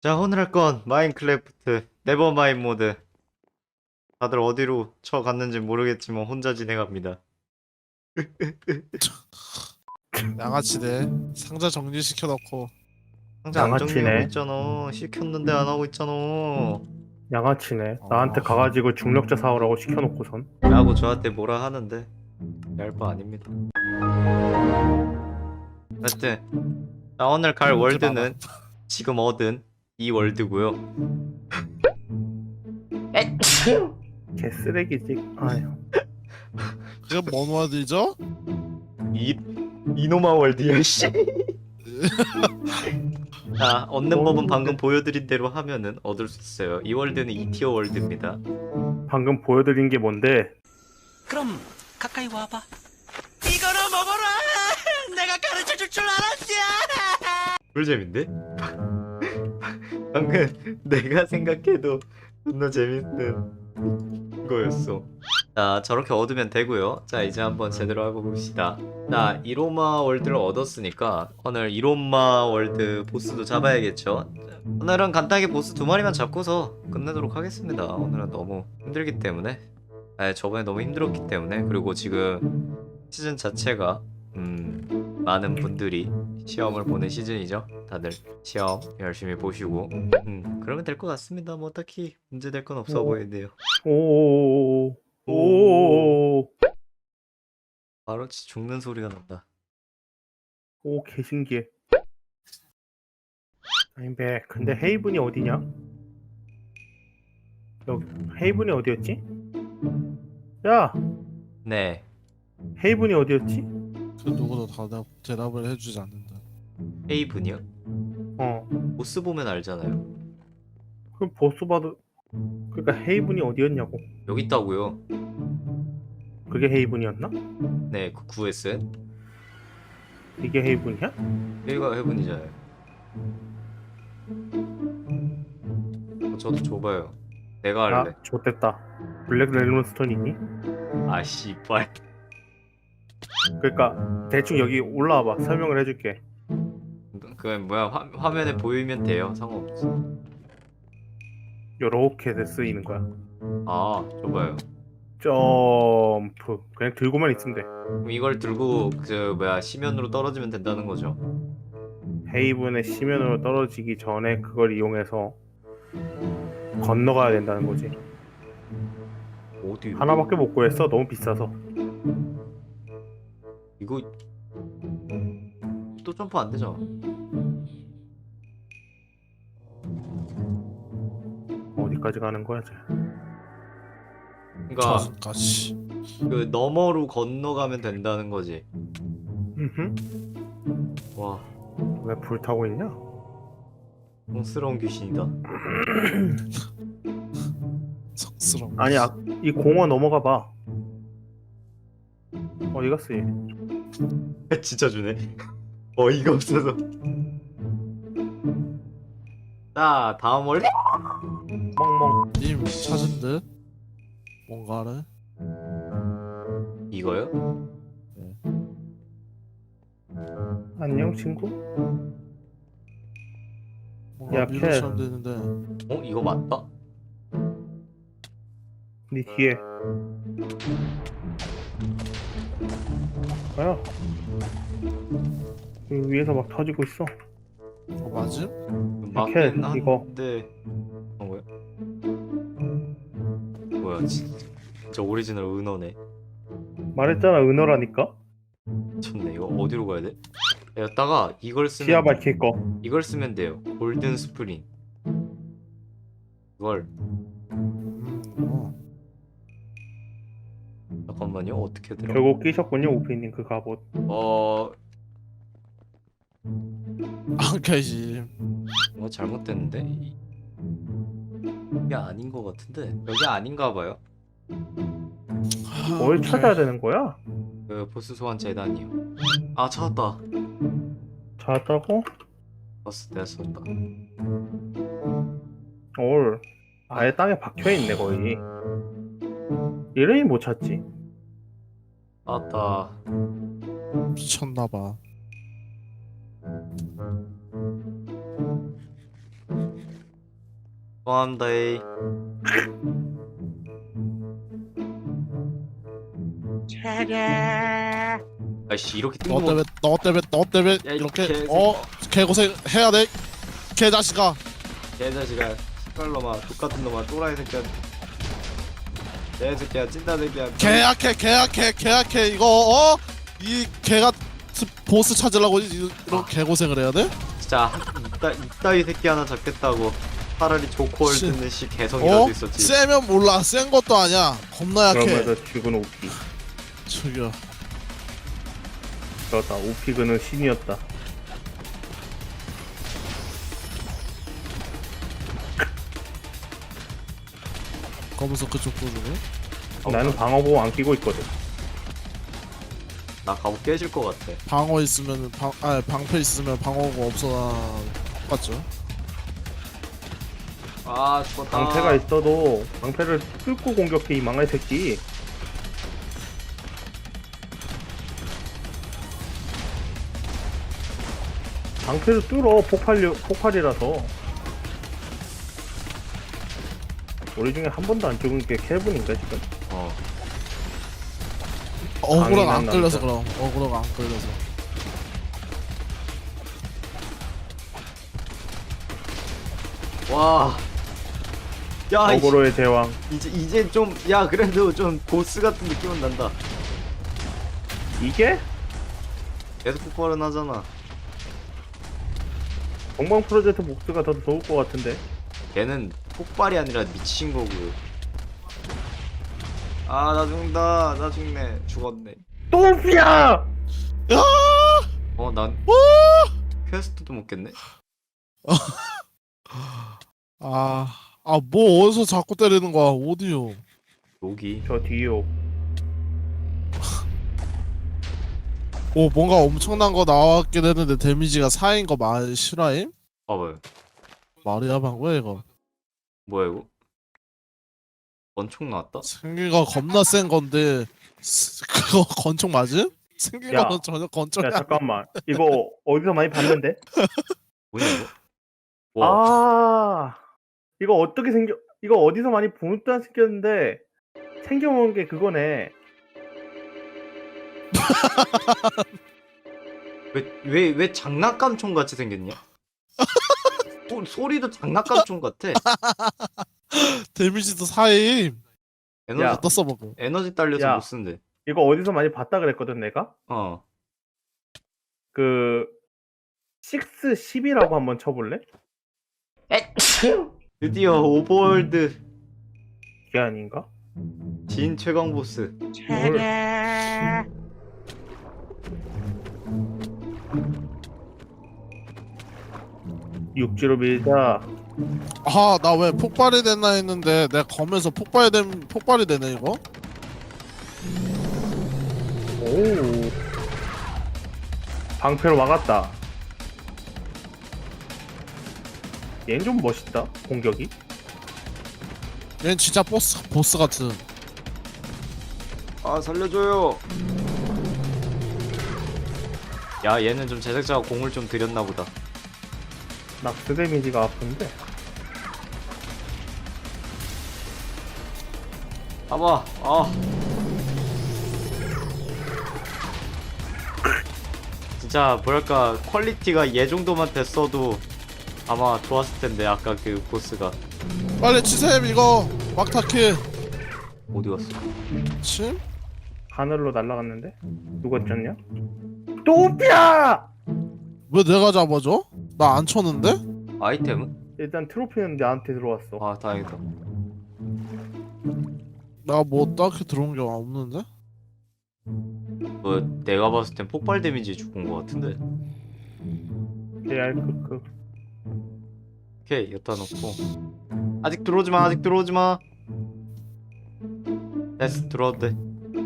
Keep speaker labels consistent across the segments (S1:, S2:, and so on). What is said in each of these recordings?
S1: 자, 오늘 할 건 마인크래프트 네버마인 모드. 다들 어디로 쳐갔는지 모르겠지만 혼자 진행합니다.
S2: 양아치네. 상자 정리시켜놓고.
S1: 상자 안 정리하고
S3: 양아치네.
S1: 있잖아. 시켰는데 안 하고 있잖아.
S3: 양아치네. 나한테
S2: 어.
S3: 가가지고 중력자 사오라고 시켜놓고선.
S1: 라고 저한테 뭐라 하는데 얄 바 아닙니다. 하여튼 자, 오늘 갈 월드는 지금 얻은 이 월드고요.
S3: 개쓰레기지. 아휴.
S2: 지금 뭔 와드죠?
S1: 이 이노마 월드야 씨. 자, 얻는 법은 방금 보여드린 대로 하면은 얻을 수 있어요. 이 월드는 2티어 월드입니다.
S3: 방금 보여드린 게 뭔데?
S4: 그럼 가까이 와봐. 이거나 먹어라. 내가 가르쳐 줄 줄 알았지.
S1: 꿀잼인데? 방금 내가 생각해도 존나 재밌는 거였어. 자, 저렇게 얻으면 되고요. 자, 이제 한번 제대로 해봅시다. 자, 이로마 월드를 얻었으니까 오늘 이로마 월드 보스도 잡아야겠죠. 오늘은 간단하게 보스 2마리만 잡고서 끝내도록 하겠습니다. 오늘은 너무 힘들기 때문에, 저번에 너무 힘들었기 때문에, 그리고 지금 시즌 자체가 많은 분들이 시험을 보는 시즌이죠. 다들 시험 열심히 보시고 그러면 될 것 같습니다. 뭐 딱히 문제될 건 없어
S3: 오.
S1: 보이는데요.
S3: 오오오오오. 오오오오.
S1: 바로 죽는 소리가 난다.
S3: 오, 개신기해. 아닌데, 근데 헤이븐이 어디냐? 여기 헤이븐이 어디였지? 야,
S1: 네,
S3: 헤이븐이 어디였지?
S2: 그 누구도 대답을 해주지 않는다.
S1: 헤이븐이요?
S3: 어,
S1: 보스 보면 알잖아요.
S3: 그럼 보스 봐도 그러니까 헤이븐이 어디였냐고.
S1: 여기 있다고요.
S3: 그게 헤이븐이었나?
S1: 네, 그 구했어요.
S3: 이게 헤이븐이야?
S1: 여기가 헤이븐이잖아요. 저도 줘봐요. 내가 할래.
S3: 아, 좋댔다. 블랙 렐몬스톤 있니?
S1: 아 씨발.
S3: 그러니까 대충 여기 올라와봐. 설명을 해줄게.
S1: 그건 뭐야, 화면에 보이면 돼요. 상관없어.
S3: 요렇게 쓰이는 거야.
S1: 아, 줘봐요.
S3: 점프. 그냥 들고만 있으면 돼.
S1: 그럼 이걸 들고 그 뭐야, 시면으로 떨어지면 된다는 거죠.
S3: 헤이븐의 시면으로 떨어지기 전에 그걸 이용해서 건너가야 된다는 거지.
S1: 어디?
S3: 하나밖에 못 구했어. 너무 비싸서.
S1: 이거 또 점프 안 되잖아.
S3: 어디까지 가는 거야, 쟤?
S1: 그러니까
S2: 저승까지.
S1: 그 너머로 건너가면 된다는 거지.
S3: 음흠.
S1: 와,
S3: 왜 불타고 있냐?
S1: 촌스러운 귀신이다.
S2: 성스러운.
S3: 아니, 이 공원 넘어가 봐. 어디 갔어, 얘?
S1: 진짜 주네. 어이가 없어서. 자, 다음 원래
S3: 멍멍.
S2: 님 찾은 듯 뭔가를.
S1: 이거요?
S3: 안녕, 친구?
S2: 뭔가
S3: 야,
S2: 미로처럼 되는데.
S1: 이거 맞다.
S3: 네 뒤에. 뭐야? 여기 위에서 막 터지고 있어.
S2: 그거 맞음?
S1: 맞긴
S3: 이거.
S1: 한데. 뭐야? 뭐야, 진짜 오리지널 은어네.
S3: 말했잖아, 은어라니까?
S1: 미쳤네. 이거 어디로 가야 돼? 여기다가 이걸 쓰면
S3: 시야 밝힐 거.
S1: 이걸 쓰면 돼요. 골든 스프링. 이걸
S2: 어.
S1: 잠깐만요. 어떻게 들어?
S3: 결국 끼셨군요, 오피님 그 갑옷.
S2: 안 깨지.
S1: 뭔가 잘못됐는데? 이게 아닌 것 같은데? 여기 아닌가 봐요.
S3: 뭘 찾아야 되는 거야?
S1: 그 보스 소환 재단이요. 아, 찾았다.
S3: 찾았다고?
S1: 봤어, 내가 썼다.
S3: 올. 아예 땅에 박혀있네, 거의. 이름이 못 찾지.
S1: 찾았다.
S2: 미쳤나봐.
S1: 고맙다 에이. 아이씨 이렇게
S2: 너
S1: 뜬금없
S2: 너 때문에
S1: 야, 이
S2: 이렇게
S1: 개새끼.
S2: 개고생 해야 돼 개자식아.
S1: 개자식아 시발놈아 똑같은 놈아 또라이 새끼야 개새끼야 찐따 새끼야
S2: 개약해 이거 이 개가 보스 찾으려고 이런 개고생을 해야 돼?
S1: 진짜 이따위 새끼 하나 잡겠다고 차라리 조코월드는 씨 개성이라도 있었지.
S2: 세면 몰라 센 것도 아니야 겁나 약해.
S3: 그러면서 죽은 오피.
S2: 저기요
S3: 그렇다. 오피 그는 신이었다.
S2: 검은색 그쪽 보주네.
S3: 나는 방어보호 안 끼고 있거든.
S1: 나 갑옷 깨질 것 같아.
S2: 방어 있으면 방패 있으면 방어가 없어나 똑같죠.
S1: 아 죽었다.
S3: 방패가 있어도 방패를 뚫고 공격해 이 망할 새끼. 방패를 뚫어 폭발이라서. 우리 중에 한 번도 안 죽은 게 켈빈인가 지금?
S2: 어그로가 안
S3: 강인한
S2: 끌려서
S3: 남자.
S2: 그럼 어그로가 안 끌려서.
S1: 와. 야
S3: 어그로의 제왕.
S1: 이제 좀 야 그래도 좀 보스 같은 느낌은 난다.
S3: 이게
S1: 계속 폭발은 하잖아.
S3: 동방 프로젝트 복수가 더 좋을 것 같은데.
S1: 걔는 폭발이 아니라 미친 거고. 아 나 죽는다. 나 죽네. 죽었네.
S3: 또 오피야!
S1: 난 퀘스트도 못 깼네.
S2: 뭐 어디서 자꾸 때리는 거야 어디요?
S1: 여기.
S3: 저 뒤요.
S2: 뭔가 엄청난 거 나왔긴 했는데 데미지가 4인 거 말 실화임?
S1: 봐봐요.
S2: 말이야 방구야 이거.
S1: 뭐야 이거? 원총 나왔다?
S2: 생긴 거 겁나 센 건데 그거 건총 맞음? 생긴
S3: 야.
S2: 거는 전혀 건총이
S3: 야
S2: 아니야.
S3: 잠깐만. 이거 어디서 많이 봤는데?
S1: 뭐냐 이거? 와.
S3: 아 이거 어떻게 생겨? 이거 어디서 많이 본 듯한 생겼는데 생겨본 게 그거네.
S1: 왜 장난감 총 같이 생겼냐? 소리도 장난감 총 같아.
S2: 데미지도 4임.
S1: 에너지
S3: 야.
S2: 어디다 써먹어.
S1: 에너지 딸려서
S3: 야.
S1: 못 쓴대.
S3: 이거 어디서 많이 봤다 그랬거든 내가. 그 6, 10이라고 한번 쳐볼래?
S1: 드디어 오버월드
S3: 이게 아닌가?
S1: 진 최강 보스.
S3: 육지로 밀자.
S2: 나 왜 폭발이 됐나 했는데 내가 검에서 폭발이 되네 이거?
S3: 오. 방패로 막았다. 얘는 좀 멋있다. 공격이.
S2: 얘는 진짜 보스 같은.
S1: 아 살려줘요. 야 얘는 좀 제작자가 공을 좀 들였나 보다.
S3: 낙스 데미지가 아픈데.
S1: 봐봐. 진짜 뭐랄까 퀄리티가 얘 정도만 됐어도 아마 좋았을 텐데 아까 그 보스가.
S2: 빨리 치셈 이거 막타킬.
S1: 어디 갔어?
S2: 침?
S3: 하늘로 날아갔는데 누가 쪘냐? 또피야!
S2: 왜 내가 잡아줘? 나 안 쳤는데?
S1: 아이템은?
S3: 일단 트로피는 나한테 들어왔어.
S1: 아 다행이다.
S2: 나 뭐 딱히 들어온 게 없는데?
S1: 뭐 내가 봤을 땐 폭발 데미지 죽은 거 같은데.
S3: JR 크크.
S1: 오케이 여기다 놓고. 아직 들어오지마. 아직 들어오지마. 됐어 들어와도 돼.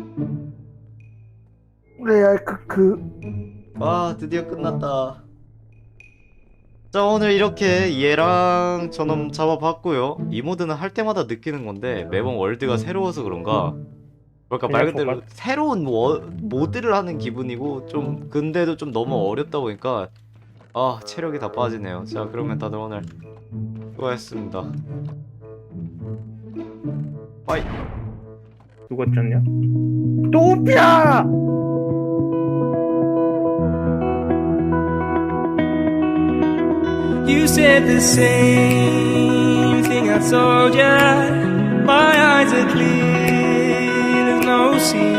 S3: JR 크크.
S1: 와 드디어 끝났다. 자 오늘 이렇게 얘랑 저놈 잡아봤고요. 이 모드는 할 때마다 느끼는 건데 매번 월드가 새로워서 그런가 그러니까 말 그대로 새로운 모드를 하는 기분이고 좀 근데도 좀 너무 어렵다 보니까 체력이 다 빠지네요. 자 그러면 다들 오늘 수고하셨습니다. 빠이.
S3: 누가 짰냐? 또피야!
S5: You said the same thing I told ya. My eyes are clear, there's no sea.